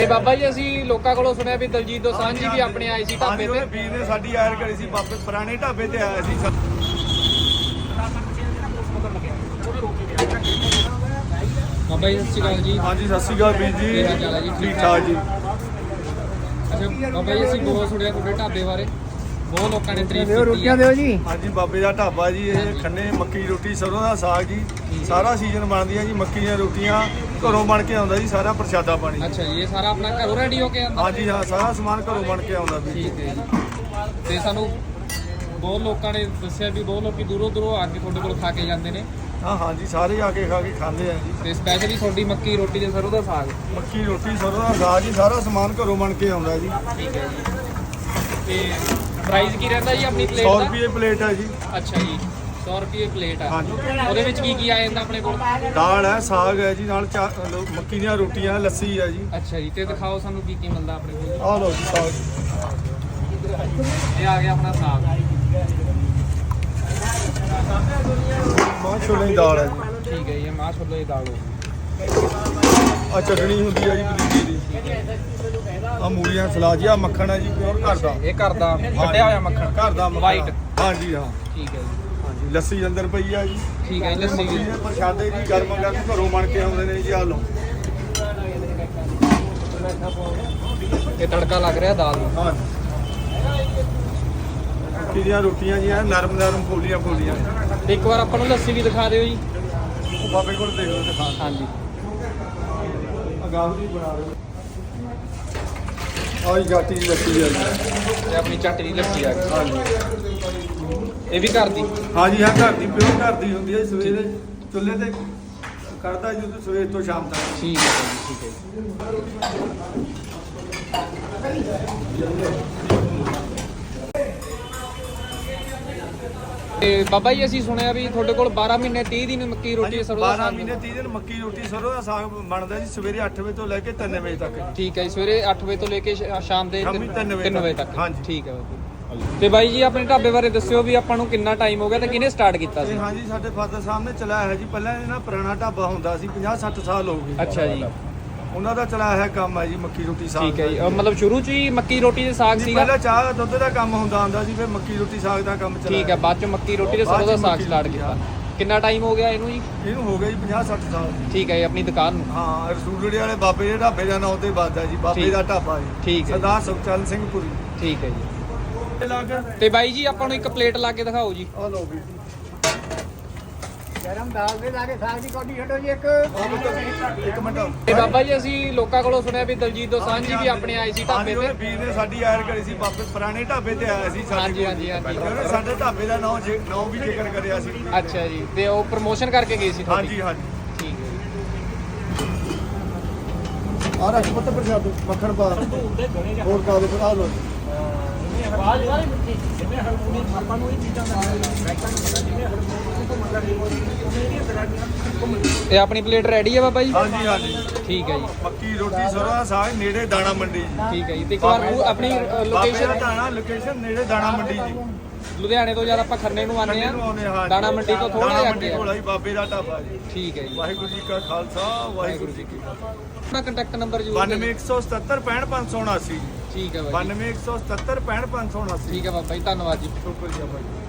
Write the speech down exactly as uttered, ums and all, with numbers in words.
ਤੇ ਬਾਬਾ ਜੀ ਅਸੀਂ ਲੋਕਾਂ ਕੋਲੋਂ ਸੁਣਿਆ ਵੀ ਦਲਜੀਤ ਦੋਸਾਂਝ ਜੀ ਵੀ ਆਪਣੇ ਆਏ ਸੀ ਢਾਬੇ ਤੇ। ਵੀਰ ਨੇ ਸਾਡੀ ਆਇਰ ਕਰੀ ਸੀ ਵਾਪਸ ਪੁਰਾਣੇ ਢਾਬੇ ਤੇ ਆਇਆ ਸੀ। ਬਾਬਾ ਜੀ ਸਤਿ ਸ਼੍ਰੀ ਅਕਾਲ ਜੀ। ਹਾਂਜੀ ਸਤਿ ਸ਼੍ਰੀ ਅਕਾਲ ਵੀਰ ਜੀ। ਕੀ ਹਾਲ ਚਾਲ ਹੈ ਜੀ? ਠੀਕ ਠਾਕ ਜੀ। ਅੱਛਾ ਬਾਬਾ ਜੀ ਅਸੀਂ ਬਹੁਤ ਸੁਣਿਆ ਤੁਹਾਡੇ ਢਾਬੇ ਬਾਰੇ, ਬਹੁਤ ਲੋਕਾਂ ਨੇ ਤਾਰੀਫ ਦਿਓ ਕੀਤੀ ਰੋਟੀਆਂ ਹੈ। ਦਿਓ ਜੀ। ਹਾਂਜੀ ਬਾਬੇ ਦਾ ਢਾਬਾ ਜੀ। ਇਹ ਖੰਨੇ ਮੱਕੀ ਰੋਟੀ ਸਰੋਂ ਦਾ ਸਾਗ ਜੀ। ਸਾਰਾ ਸੀਜ਼ਨ ਬਣਦੀ ਹੈ ਜੀ। ਮੱਕੀ ਦੀਆਂ ਰੋਟੀਆਂ ਘਰੋਂ ਬਣ ਕੇ ਆਉਂਦਾ ਜੀ। ਸਾਰਾ ਪ੍ਰਸ਼ਾਦਾ ਪਾਣੀ। ਅੱਛਾ ਜੀ, ਇਹ ਸਾਰਾ ਆਪਣਾ ਘਰੋਂ ਰੈਡੀ ਹੋ ਕੇ ਆਉਂਦਾ? ਹਾਂਜੀ ਹਾਂ, ਸਾਰਾ ਸਮਾਨ ਘਰੋਂ ਬਣ ਕੇ ਆਉਂਦਾ ਵੀ। ਠੀਕ ਹੈ ਜੀ। ਤੇ ਸਾਨੂੰ ਬਹੁਤ ਲੋਕਾਂ ਨੇ ਦੱਸਿਆ ਵੀ ਬਹੁਤ ਲੋਕੀ ਦੂਰੋਂ ਦੂਰੋਂ ਆ ਕੇ ਤੁਹਾਡੇ ਕੋਲ ਖਾ ਕੇ ਜਾਂਦੇ ਨੇ। ਹਾਂ ਹਾਂਜੀ, ਸਾਰੇ ਆ ਕੇ ਖਾ ਕੇ ਖਾਂਦੇ ਆ ਜੀ। ਤੇ ਸਪੈਸ਼ਲੀ ਤੁਹਾਡੀ ਮੱਕੀ ਰੋਟੀ ਤੇ ਸਰੋਂ ਦਾ ਸਾਗ। ਮੱਕੀ ਰੋਟੀ ਸਰੋਂ ਦਾ ਸਾਗ ਜੀ, ਸਾਰਾ ਸਮਾਨ ਘਰੋਂ ਬਣ ਕੇ ਆਉਂਦਾ ਜੀ। ਠੀਕ ਹੈ ਜੀ। ਤੇ ਪ੍ਰਾਈਸ ਕੀ ਰਹਿੰਦਾ ਜੀ ਆਪਣੀ ਪਲੇਟ ਸੌ ਦਾ? ਰੁਪਏ ਪਲੇਟ ਹੈ ਜੀ। ਅੱਛਾ ਜੀ, ਸੌ ਰੁਪਏ ਪਲੇਟ ਆ। ਹਾਂਜੀ। ਉਹਦੇ ਵਿੱਚ ਕੀ ਕੀ ਆ ਜਾਂਦਾ ਆਪਣੇ ਕੋਲ? ਦਾਲ ਹੈ, ਸਾਗ ਹੈ ਜੀ, ਨਾਲ ਚਾ- ਲੋ- ਮੱਕੀ ਦੀਆਂ ਰੋਟੀਆਂ, ਲੱਸੀ ਹੈ ਜੀ। ਅੱਛਾ ਜੀ, ਤੇ ਦਿਖਾਓ ਸਾਨੂੰ ਕੀ ਕੀ ਮਿਲਦਾ ਆਪਣੇ ਕੋਲ। ਆਹ ਲਓ ਜੀ ਸਾਗ। ਇਹ ਆ ਗਿਆ ਆਪਣਾ ਸਾਗ। ਮਾਂ ਛੋਲੇ ਦੀ ਦਾਲ ਹੈ ਜੀ। ਠੀਕ ਹੈ ਜੀ, ਇਹ ਮਾਂ ਛੋਲੇ ਦੀ ਦਾਲ ਹੋ ਗਈ। ਆ ਚਟਣੀ ਹੁੰਦੀ ਹੈ ਜੀ ਪਦੀਨੇ ਦੀ। ਆ ਮੂਲੀਆਂ ਸਲਾਦ ਜੀ। ਆ ਮੱਖਣ ਹੈ ਜੀ, ਪਿਓਰ ਘਰ ਦਾ। ਇਹ ਘਰ ਦਾ ਕੱਢਿਆ ਹੋਇਆ ਮੱਖਣ? ਘਰ ਦਾ ਮੱਖਣ। ਵਾਈਟ। ਹਾਂਜੀ ਹਾਂ। ਠੀਕ ਹੈ ਜੀ। ਹਾਂਜੀ, ਲੱਸੀ ਅੰਦਰ ਪਈ ਆ ਜੀ। ਠੀਕ ਹੈ ਜੀ, ਲੱਸੀ ਮੱਕੀ ਵੀ। ਦੇ ਪ੍ਰਸ਼ਾਦੇ ਜੀ ਗਰਮ ਗਰਮ ਘਰੋਂ ਬਣ ਕੇ ਆਉਂਦੇ ਨੇ ਜੀ। ਆ ਲਓ। ਇਹ ਤੜਕਾ ਲੱਗ ਰਿਹਾ ਦਾਲ ਨੂੰ। ਹਾਂ ਮੱਕੀ ਦੀਆਂ ਰੋਟੀਆਂ ਜੀ, ਐਨ ਨਰਮ ਨਰਮ ਫੋਲੀਆਂ ਫੋਲੀਆਂ। ਤੇ ਇੱਕ ਵਾਰ ਆਪਾਂ ਨੂੰ ਲੱਸੀ ਵੀ ਦਿਖਾ ਦਿਓ ਜੀ। ਉਹ ਬਾਬੇ ਕੋਲ ਦੇਖ ਲਓ ਦਿਖਾ। ਹਾਂਜੀ। ਅਗਾਹ ਜੀ ਬਣਾ ਰਹੇ ਆਈ ਗਾਟੀ ਦੀ ਲੱਸੀ ਆ ਜੀ। ਤੇ ਆਪਣੀ ਚੱਟ ਦੀ ਲੱਸੀ ਆ ਗਈ। ਹਾਂਜੀ ਇਹ ਵੀ ਘਰ ਦੀ? ਹਾਂਜੀ ਹਾਂ, ਘਰ ਦੀ ਪਿਓਰ ਘਰ ਦੀ ਹੁੰਦੀ ਹੈ। ਸਵੇਰੇ ਚੁੱਲ੍ਹੇ ਤੇ ਕਰਦਾ ਜੀ, ਸਵੇਰ ਤੋਂ ਸ਼ਾਮ ਤੱਕ। ਠੀਕ ਹੈ ਜੀ, ਠੀਕ ਹੈ ਤੇ ਬਾਬਾ ਜੀ ਅਸੀਂ ਸੁਣਿਆ ਵੀ ਤੁਹਾਡੇ ਕੋਲ ਬਾਰਾਂ ਮਹੀਨੇ ਤੀਹ ਦਿਨ ਮੱਕੀ ਰੋਟੀ ਸਰੋਂ ਦਾ ਬਾਰਾਂ ਸਾਗ ਮਹੀਨੇ ਤੀਹ ਦਿਨ ਮੱਕੀ ਰੋਟੀ ਸਰੋਂ ਦਾ ਸਾਗ ਬਣਦਾ ਜੀ। ਸਵੇਰੇ ਅੱਠ ਵਜੇ ਤੋਂ ਲੈ ਕੇ ਤਿੰਨ ਵਜੇ ਤੱਕ। ਠੀਕ ਹੈ ਜੀ, ਸਵੇਰੇ ਅੱਠ ਵਜੇ ਤੋਂ ਲੈ ਕੇ ਸ਼ਾ- ਸ਼ਾਮ ਦੇ ਸ਼ਾਮੀ ਤਿੰਨ ਵਜੇ ਤਿੰਨ ਵਜੇ ਤੱਕ। ਤੱਕ। ਹਾਂਜੀ। ਠੀਕ ਹੈ ਬਾਬਾ ਜੀ। ਤੇ ਬਾਈ ਜੀ ਆਪਣੇ ਢਾਬੇ ਬਾਰੇ ਦੱਸਿਓ ਵੀ ਆਪਾਂ ਨੂੰ ਕਿੰਨਾ ਟਾਈਮ ਹੋ ਗਿਆ ਤੇ ਕਿਹਨੇ ਸਟਾਰਟ ਕੀਤਾ ਸੀ? ਤੇ ਹਾਂਜੀ, ਸਾਡੇ ਫਾਦਰ ਸਾਹਿਬ ਨੇ ਚਲਾਇਆ ਹੈ ਜੀ। ਪਹਿਲਾਂ ਇਹ ਨਾ ਪੁਰਾਣਾ ਢਾਬਾ ਹੁੰਦਾ ਸੀ, ਪੰਜਾਹ ਸੱਠ ਸਾਲ ਹੋ ਗਏ। ਅੱਛਾ ਜੀ। ਉਹਨਾਂ ਦਾ ਚਲਾਇਆ ਹੈ ਕੰਮ ਹੈ ਜੀ ਮੱਕੀ ਰੋਟੀ ਸਾਗ। ਠੀਕ ਹੈ ਜੀ, ਅਹ ਮਤਲਬ ਸ਼ੁਰੂ ਚ ਹੀ ਮੱਕੀ ਰੋਟੀ ਦੇ ਸਾਗ ਜੀ, ਸੀਗਾ? ਪਹਿਲਾਂ ਚਾਹ ਦੁੱਧ ਦਾ ਕੰਮ ਹੁੰਦਾ ਹੁੰਦਾ ਸੀ, ਫਿਰ ਮੱਕੀ ਰੋਟੀ ਸਾਗ ਦਾ ਕੰਮ ਚਲਾਇਆ। ਠੀਕ ਹੈ, ਬਾਅਦ ਚ ਮੱਕੀ ਰੋਟੀ ਤੇ ਸਰੋਂ ਦਾ ਸਾਗ ਮੱਕੀ ਸਟਾਰਟ ਰੋਟੀ, ਕੀਤਾ। ਕਿੰਨਾ ਟਾਈਮ ਹੋ ਗਿਆ ਇਹਨੂੰ ਜੀ? ਇਹਨੂੰ ਹੋ ਗਿਆ ਜੀ ਪੰਜਾਹ ਸੱਠ ਸਾਲ। ਠੀਕ ਹੈ ਜੀ, ਆਪਣੀ ਦੁਕਾਨ ਨੂੰ? ਹਾਂ, ਰਸੂਲੜੇ ਵਾਲੇ ਬਾਬੇ ਦੇ ਢਾਬੇ ਦਾ ਨਾਂ ਤੇ ਵੱਜਦਾ ਜੀ। ਬਾਬੇ ਠੀਕ। ਦਾ ਢਾਬਾ ਜੀ। ਠੀਕ ਹੈ ਜੀ। ਸਰਦਾਰ ਸੁਖਚਰਨ ਸਿੰਘ ਪੁਰੀ। ਠੀਕ ਹੈ ਜੀ। ਇਹ ਲੱਗ ਤੇ ਬਾਈ ਜੀ ਆਪਾਂ ਨੂੰ ਇੱਕ ਪਲੇਟ ਲਾ ਕੇ ਦਿਖਾਓ ਜੀ। ਆ ਲਓ ਵੀ ਗਰਮ ਦਾਲ ਦੇ ਲਾ ਕੇ ਸਾਗ ਦੀ ਕੋਟੀ ਛੱਡੋ ਜੀ ਇੱਕ। ਇੱਕ ਮਿੰਟ। ਤੇ ਬਾਬਾ ਜੀ ਅਸੀਂ ਲੋਕਾਂ ਕੋਲੋਂ ਸੁਣਿਆ ਵੀ ਦਲਜੀਤ ਦੋਸਾਂਝ ਜੀ ਵੀ ਆਪਣੇ ਆਏ ਸੀ ਢਾਬੇ ਤੇ। ਵੀਰ ਨੇ ਸਾਡੀ ਆਇਰ ਕਰੀ ਸੀ ਵਾਪਸ ਪੁਰਾਣੇ ਢਾਬੇ ਤੇ ਆਇਆ ਸੀ। ਸਾਡੇ ਹਾਂਜੀ, ਕੋਲ। ਹਾਂਜੀ, ਹਾਂਜੀ। ਉਹਨੇ ਸਾਡੇ ਢਾਬੇ ਦਾ ਨਾਂ ਜੇ ਨਾਂ ਵੀ ਜ਼ਿਕਰ ਕਰਿਆ ਸੀ। ਅੱਛਾ ਜੀ, ਤੇ ਉਹ ਪ੍ਰਮੋਸ਼ਨ ਕਰਕੇ ਗਏ ਸੀ ਤੁਹਾਡੀ? ਹਾਂਜੀ ਹਾਂਜੀ। ਠੀਕ ਹੈ ਜੀ। ਆ ਰੱਖ ਪੁੱਤ ਪ੍ਰਸ਼ਾਦ ਮੱਖਣ ਪਾ ਹੋਰ ਪਾ ਦੇ ਫਿਰ। ਆ ਲਓ। ਤੇ ਆਪਣੀ ਪਲੇਟ ਰੈਡੀ ਹੈ ਬਾਬਾ ਜੀ? ਹਾਂਜੀ ਹਾਂਜੀ। ਠੀਕ ਹੈ ਜੀ। ਮੱਕੀ ਰੋਟੀ ਸਰੋਂ ਦਾ ਸਾਗ ਨੇੜੇ ਦਾਣਾ ਮੰਡੀ ਜੀ। ਠੀਕ ਹੈ ਜੀ। ਤੇ ਇੱਕ ਵਾਰ ਉਹ ਆਪਣੀ ਲੋਕੇਸ਼ਨ? ਦਾਣਾ ਲੋਕੇਸ਼ਨ ਨੇੜੇ ਦਾਣਾ ਮੰਡੀ ਜੀ। ਲੁਧਿਆਣੇ ਤੋਂ ਜਦ ਆਪਾਂ ਖੰਨੇ ਨੂੰ ਆਉਂਦੇ ਖੰਨੇ ਨੂੰ ਆਉਂਦੇ ਹਾਂ ਆ, ਜੀ। ਦਾਣਾ ਮੰਡੀ ਤੋਂ ਥੋੜਾ ਦਾਣਾ ਜਿਹਾ ਮੰਡੀ ਅੱਗੇ ਕੋਲ ਆ। ਆਈ ਬਾਬੇ ਦਾ ਢਾਬਾ ਜੀ। ਠੀਕ ਹੈ ਜੀ। ਵਾਹਿਗੁਰੂ ਜੀ ਕਾ ਖਾਲਸਾ ਵਾਹਿਗੁਰੂ ਜੀ ਕੀ ਫਤਿਹ। ਆਪਣਾ ਕੰਟੈਕਟ ਨੰਬਰ ਜੀ? ਬਾਨਵੇਂ ਇੱਕ ਸੌ ਸਤੱਤਰ ਪੈਂਹਠ ਪੰਜ ਸੌ ਉਨਾਸੀ ਜੀ। ਠੀਕ ਹੈ ਬਾਈ ਜੀ। ਬਾਨਵੇਂ ਇੱਕ ਸੌ ਸਤੱਤਰ ਪੈਂਹਠ ਪੰਜ ਸੌ ਉਨਾਸੀ। ਠੀਕ ਹੈ ਬਾਬਾ ਜੀ, ਧੰਨਵਾਦ ਜੀ। ਸ਼ੁਕਰੀਆ ਬਾਈ।